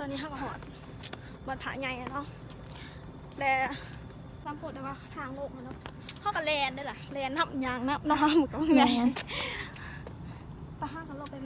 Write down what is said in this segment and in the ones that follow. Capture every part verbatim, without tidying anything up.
อนนี้ห้างหอดวัดผาใหญ่เนาะแต่ลำพูดแต่ว่าทางโลกมันเนาะเข้ากับแลนได้ล่ะแลนนับยางนับน้ำหมดก็ไงไปห้างกันโลกไปไหน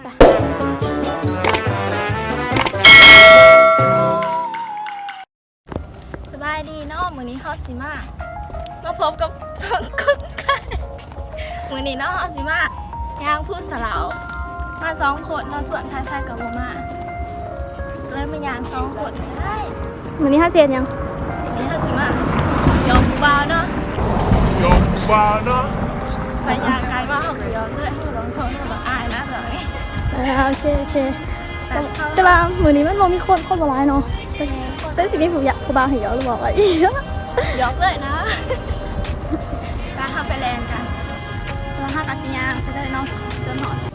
สบายดีเนาะมื้อนี้เข้าสิมามาพบกับสองกุ๊กไก่มื้อนี้เนาะเข้าสิมาย่างพูดสลาวมาสองคนเราส่วนท้ายๆกับโบมาเลยมาย่างสองคนได้มื้อนี้ห้าเซียนยังมื้อนี้ห้าสิมาโยกบาเนาะโยกบาเนาะไปย่างไกลว่าเขาไปย้อนเลยให้สองคนเขาบอกอายนะเลยโอเคโอเคแต่ว่ามื้อนี้มันบ่มีคนคนบ่ร้ายเนาะเป็นสิ่งที่ผมอยากผู้บ่าวเห็นย้อนหรือบอกอะไรย้อนเลยนะไปทำไปแลนกันเราห้าตัดสินยางไปเลยเนาะจนหอด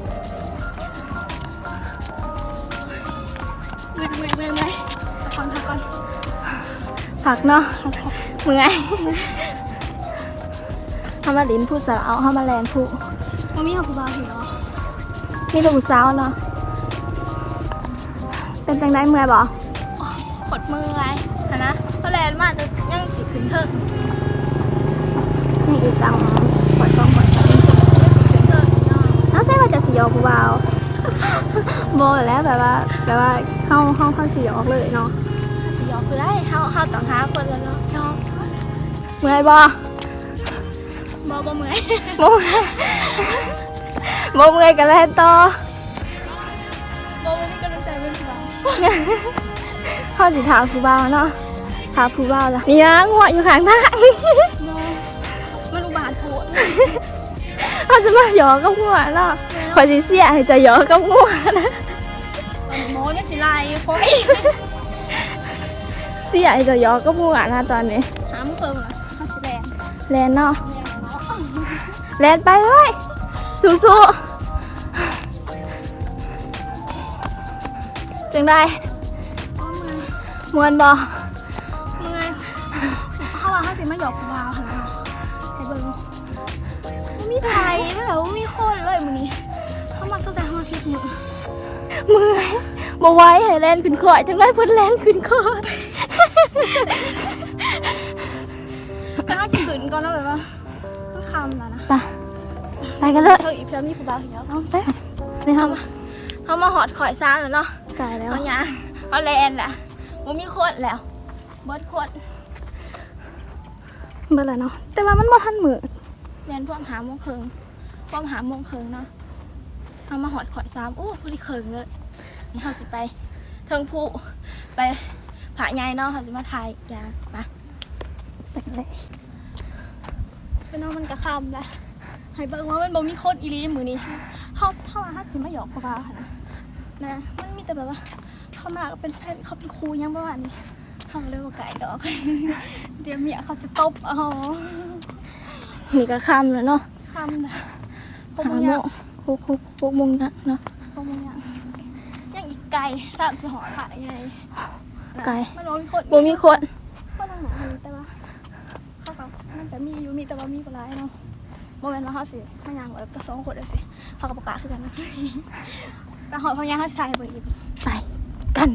เมื่อยเมื่อยเมื่อยเมื่อยพักก่อนพักก่อนพักเนาะเมื่อยทำมาลิ้นพูดสาวเอาทำมาแลนพูดมันมีผู้บ่าวเห็นเนาะมีแต่ผู้สาวเนาะเป็นจังได้เมื่อยบ่ขดมือไงนะก็แลนมากจะยังสิขึ้นเถิดนี่อีกตังขดช่องขดช่องน้าใช่ว่าจะสียอผู้บ่าวโบแล้วแบบว่าแบบว่าเข้าห้องเข้าสียอเลยเนาะสียอคือได้เข้าเข้าต่างหาคนแล้วเนาะชอบเมื่อยบ่บ่บ่เมื่อยบ่เมื่อยบ่เมื่อยกันแล้วต่อบ่มีกำลังใจเป็นผู้บ่าวเข้าสีถามผู้บ่าวเนาะถามผู้บ่าวแล้วนี่นะงัวอยู่ข้างทางมันอุบาทโผล่เขาจะมาหยอกกับงัวเนาะคอยสิเสียให้จะหยอกกับงัวนะโม้ไม่สิไล่คอยเสียให้จะหยอกกับงัวนะตอนนี้หามือเพิ่มนะเขาสิแลนแลนเนาะแลนไปเลยสู้ๆจังได้มวนบ่เมื่อยเขาว่าเขาสิมาหยอกบ่าวค่ะให้เบิ่งมีไทยไม่แบบว่ามีคนเลยมื้อนี้เขามาสนใจเขามาพิดมือมือบ่ไหวให้แลนขึ้นคอยจังได้เพิ่นแลนขึ้นคอยแต่ถ้าสิขึ้นก่อนแล้วแบบว่าต้องคำแล้วนะไปไปกันเลยเธออีเพื่อมีผู้บ่าวเหี่ยวเอาไปนี่เขาเขามาหอดข่อยซ่าแล้วเนาะไกลแล้วเอาหยังเอาแลนแหละบ่มีคนแล้วเบิดคนเบิดแล้วเนาะแต่ว่ามันบ่ทันมือแลนพวกหาโมงครึ่งพวกหาโมงครึ่งเนาะเอามาหอดข่อยซ้ำโอ้พอดีครึ่งเลยนี่เขาสิไปเทิงผู้ไปผาใหญ่เนาะเขาสิมาถ่ายยาไปไปเลยไปเนาะมันกระคำเลยให้เบิ่งว่ามันบ่มีคนอีหลีมื้อนี้เขาเขาว่าเขาสิมาหยอกบ่าวค่ะนะมันมีแต่แบบว่าเขามาก็เป็นแฟนเขาเป็นครูยังประมาณนี้เขาเรียกว่าไก่ดอกเดี๋ยวเมียเขาจะตบอ๋อนี่ก็คำเลยเนาะคำนะพวกมึงยังพวกพวกพวกมึงนะเนาะพวกมึงยังยังอีกไก่สามสิหอผ่าไงไก่มันมีคนบ่มีคนก็ทางไหนมีแต่ว่าเขาเขามันจะมีอยู่มีแต่ว่ามีปลายเนาะโมเมนต์ว่าเขาสิพยางแบบกระสองคนเลยสิเขากับประกาศคือกันนะแต่หอพยางเขาใช้ไปอีกไปกัน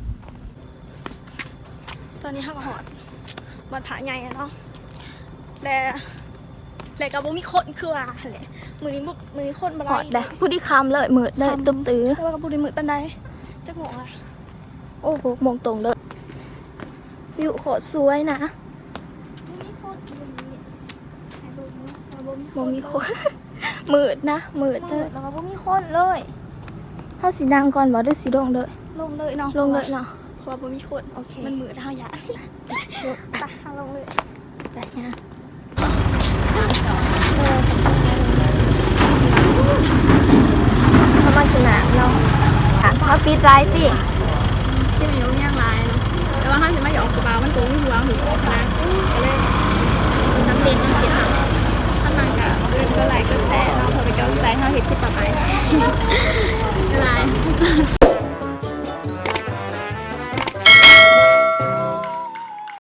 ตอนนี้ห้างหอดวัดผาใหญ่เนาะแต่แต่กับบุมีคนคือว่าเลยมือนี้บุมือคนมาไล่เลยผู้ที่คำเลยมืดเลยตุ้มตื้อแต่ว่ากับผู้ที่มืดปันใดจะงงอ่ะโอ้โหมองตรงเลยวิวโคตรสวยนะบุมีคนมืดนะมืดเลยแล้วก็บุมีคนเลยถ้าสีดังก่อนบอกด้วยสีดงเลยลงเลยเนาะลงเลยเนาะเพราะว่ามีคนโอเคมันมืดเท่าหยาดไปทางลงเลยไปนะเขามาชนะเราเขาปีดไรสิที่มันยุ่งยากไรแต่ว่าเขาจะไม่หยอกกระเป๋ามันโกงไม่หัวหิวนะเลยสังเกตมันเก็บท่านนางกะเรื่องก็ไหลก็แซ่เราพอไปกำลังใจเขาเห็นคลิปต่อไปอะไร